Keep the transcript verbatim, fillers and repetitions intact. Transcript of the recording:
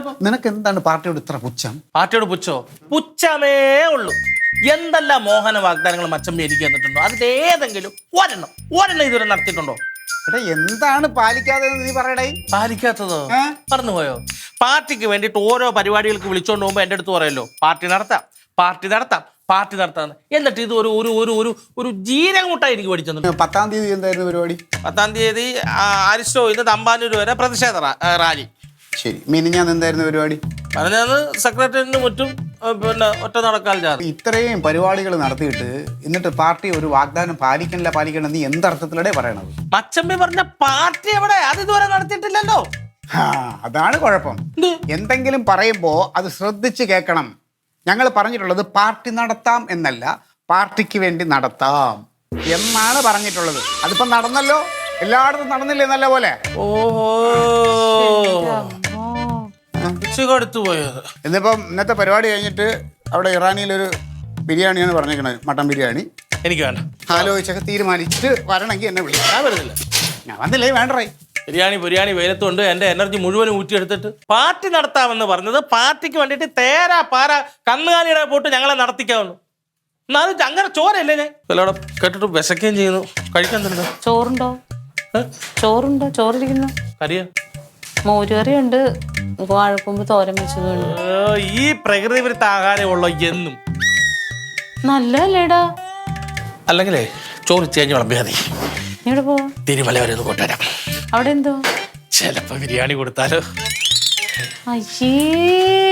നിനക്ക് എന്താണ് പാർട്ടിയോട് ഇത്ര പുച്ഛം? പാർട്ടിയോട് പുച്ഛോ? പുച്ഛമേ ഉള്ളൂ. എന്തെല്ലാം മോഹന വാഗ്ദാനങ്ങൾ മച്ചമ്പി എനിക്ക് തന്നിട്ടുണ്ടോ? അതിൽ ഏതെങ്കിലും ഒരെണ്ണം ഒരെണ്ണം ഇതുവരെ നടത്തിയിട്ടുണ്ടോ? എടാ എന്താണ് പാലിക്കാതെ നീ പറയടേ? പാലിക്കാത്തതോ? പറഞ്ഞുപോയോ? പാർട്ടിക്ക് വേണ്ടിയിട്ട് ഓരോ പരിപാടികൾക്ക് വിളിച്ചോണ്ട് പോകുമ്പോ എന്റെ അടുത്ത് പറയല്ലോ, പാർട്ടി നടത്താം പാർട്ടി നടത്താം പാർട്ടി നടത്താന്ന്. എന്നിട്ട് ഇത് ഒരു ഒരു ഒരു ഒരു ഒരു ജീരകമുട്ടായി എനിക്ക് മേടിച്ചു. പത്താം തീയതി എന്തായിരുന്നു പരിപാടി? പത്താം തീയതി അരിസ്റ്റോ ഇന്ന് തമ്പാനൂർ വരെ പ്രതിഷേധ റാലി. ശരി, മിനിഞ്ഞാൻ എന്തായിരുന്നു പരിപാടി? പറഞ്ഞത് സെക്രട്ടറിന് മുറ്റും പിന്നെ ഒറ്റ നടക്കാൽ ജാഥ. ഇത്രയും പരിപാടികൾ നടത്തിയിട്ട് എന്നിട്ട് പാർട്ടി ഒരു വാഗ്ദാനം പാലിക്കണില്ല പാലിക്കണ നീ എന്തർത്ഥത്തിലൂടെ പറയണത്? മച്ചമ്പി പറഞ്ഞ പാർട്ടി എവിടെ? അത് ഇതുവരെ നടത്തിയിട്ടില്ലല്ലോ. ആ അതാണ് കുഴപ്പം. എന്തെങ്കിലും പറയുമ്പോ അത് ശ്രദ്ധിച്ച് കേൾക്കണം. ഞങ്ങൾ പറഞ്ഞിട്ടുള്ളത് പാർട്ടി നടത്താം എന്നല്ല, പാർട്ടിക്ക് വേണ്ടി നടത്താം എന്നാണ് പറഞ്ഞിട്ടുള്ളത്. അതിപ്പോ നടന്നല്ലോ, എല്ലായിടത്തും നടന്നില്ലേ നല്ല പോലെ? ഓഹോ, കൊടുത്തു പോയത്. എന്നിപ്പം ഇന്നത്തെ പരിപാടി കഴിഞ്ഞിട്ട് അവിടെ ഇറാനിയിലൊരു ബിരിയാണിയാണ് പറഞ്ഞിരിക്കണത്, മട്ടൻ ബിരിയാണി. എനിക്ക് വേണ്ട. ആലോചിച്ചൊക്കെ തീരുമാനിച്ചിട്ട് വരണമെങ്കിൽ എന്നെ വിളിക്കാം. ഞാൻ വരുന്നില്ല. ഞാൻ വന്നില്ലേ വേണ്ടേ? ബിരിയാണി ബിരിയാണി വെയിലത്തുകൊണ്ട് എൻ്റെ എനർജി മുഴുവനും ഊറ്റിയെടുത്തിട്ട് പാർട്ടി നടത്താമെന്ന് പറഞ്ഞത് പാർട്ടിക്ക് വേണ്ടിയിട്ട് തേരാ പാര കന്നുകാലിയുടെ പോട്ട് ഞങ്ങളെ നടത്തിക്കാവുന്നു. എന്നാലും അങ്ങനെ ചോരല്ലേ ഞാൻ എല്ലാവിടെ കേട്ടിട്ട് വിശക്കുകയും ചെയ്യുന്നു. കഴിക്കാൻ തന്നെ ചോറുണ്ടോ? ചോറുണ്ടോ? ചോറിരിക്കുന്നു. കറിയ മോരുകറിയുണ്ട്, വാഴക്കൊമ്പ് തോരൻ വെച്ചതുണ്ട്. ഈ പ്രകൃതി വിരുദ്ധ ആഹാരമുള്ള എന്നും നല്ലല്ലേടാ. അല്ലെങ്കിലേ ചോറ് ചേഞ്ച് വിളമ്പിയാ മതി. ഇവിടെ പോവാ. തിരുമല വരെ ഒന്ന് കൊണ്ടുവരാം. അവിടെ എന്തോ ചിലപ്പോ ബിരിയാണി കൊടുത്താലോ? അയ്യേ